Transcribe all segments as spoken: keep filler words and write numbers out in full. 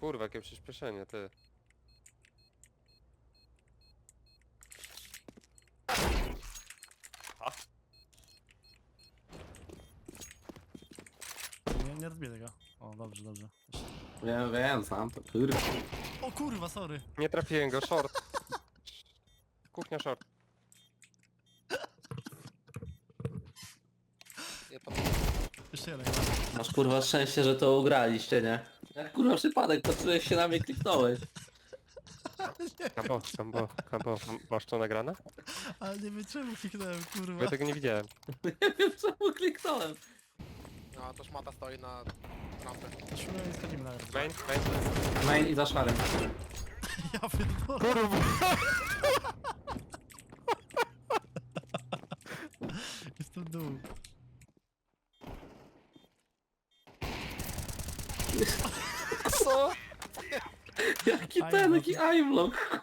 kurwa, jakie przyspieszenie, ty. A? Nie, nie rozbiję tego. O, dobrze, dobrze. Wiem, wiem, sam to kurwa. O kurwa, sorry. Nie trafiłem go, short. Kuchnia short. Jeszcze jeden. Masz kurwa szczęście, że to ugraliście, nie? Jak kurwa przypadek, patrzyłeś się na mnie, kliknąłeś. Kambo, kambo, kambo. Masz to nagrane? Ale nie wiem czemu kliknąłem, Bo kurwa. ja tego nie widziałem. Nie wiem czemu kliknąłem. No to szmata stoi na rampie. Szumę i schodzimy na razie. Main, main. Main i za szarem. Ja pierdolę. Kurwa! Jestem dół. Co? Jaki Aimlock. ten, jaki aimlock.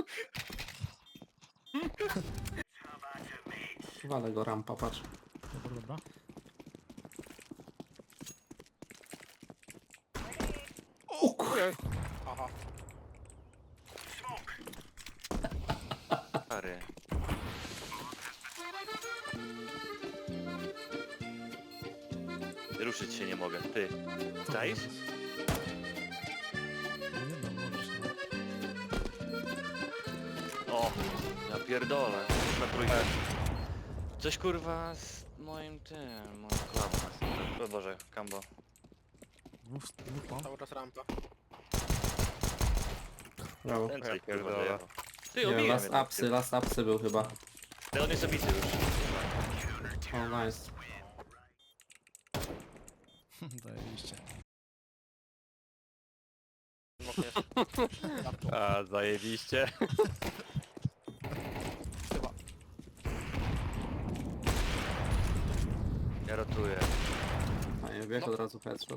Walę go rampa, patrz. Dobra, dobra. O kurwa. Aha. Stary. Ruszyć się nie mogę, ty. Co Czaisz? robisz? Nie no, możesz. No. O, ja pierdolę. Na trójkę. Coś kurwa z moim tym, moim klapem. O Boże, Kambo. Dwóch, dwóch mam. Cały czas rampa. Brawo. Ten Ja coś kurwa pierdolę. dojechał. Ty, Nie wiem, obiłem last jednak, upsy, ty. last upsy był chyba. Ty, on jest obity już. O, nice. Zajebiście. Mokniesz. A, zajebiście. Chyba. Ja rotuję. A nie bieg No. od razu headshot.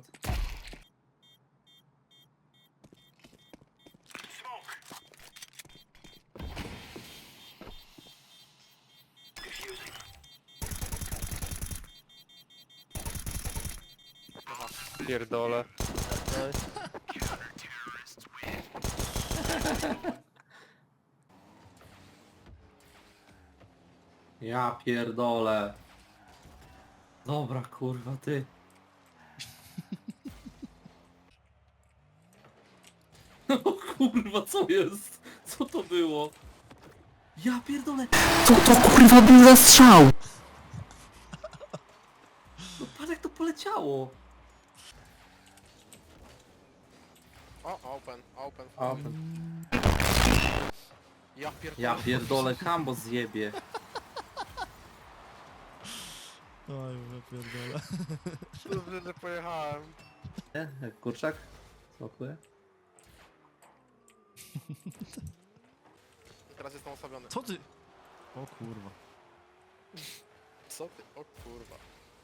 Pierdolę. Ja pierdolę. Dobra, kurwa, ty. O kurwa, co jest? Co to było? Ja pierdolę. Co to kurwa był za strzał? No patrz jak to poleciało. O, open, open. Open. Ja pierdolę. Ja pierdolę, Kambo zjebie. Oj, ja pierdolę. Dobrze, że pojechałem. Nie? Jak kurczak? Smakuje? I teraz jestem osłabiony. Co ty? O kurwa. Co ty? O kurwa.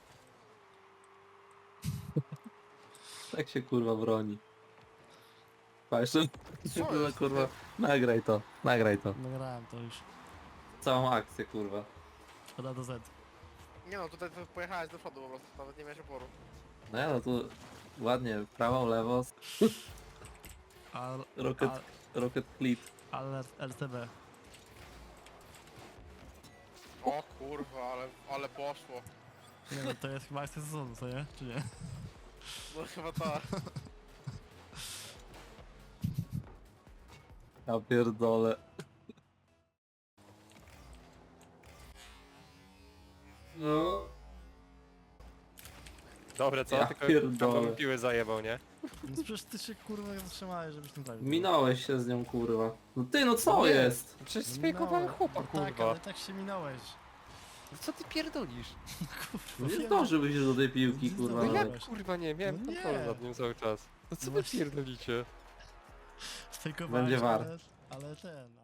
Tak się kurwa broni. Patrz, Co jest? kurwa. Nagraj to, nagraj to. Nagrałem to już. Całą akcję kurwa. Szkoda do Z. Nie no, tutaj to pojechałeś do przodu po prostu, nawet nie miałeś oporu. No ja no tu ładnie, prawą, lewo, Al, rocket, al, rocket clip. ale L T B. O kurwa, ale, ale poszło. Nie no, to jest chyba akcja sezonu, co nie? Czy nie? No chyba tak. Ja pierdolę. No. Dobre, co? Ja Tylko pierdolę. kambo mi piły zajebał, nie? No przecież ty się kurwa zatrzymałeś, żebyś tym trafił. Minąłeś się z nią kurwa. No ty no co Nie. jest? Przecież No sfejkowałem minąłem. chłopa, No tak, kurwa. ale tak się minąłeś. No co ty pierdolisz? No nie wiem. zdążyłbyś do tej piłki Nie kurwa. No zdążyłem. nawet. jak kurwa nie, miałem No nie. kontrolę nad nim cały czas. No co No wy właśnie. pierdolicie? Sfejkowałeś, Będzie war. ale, ale ten,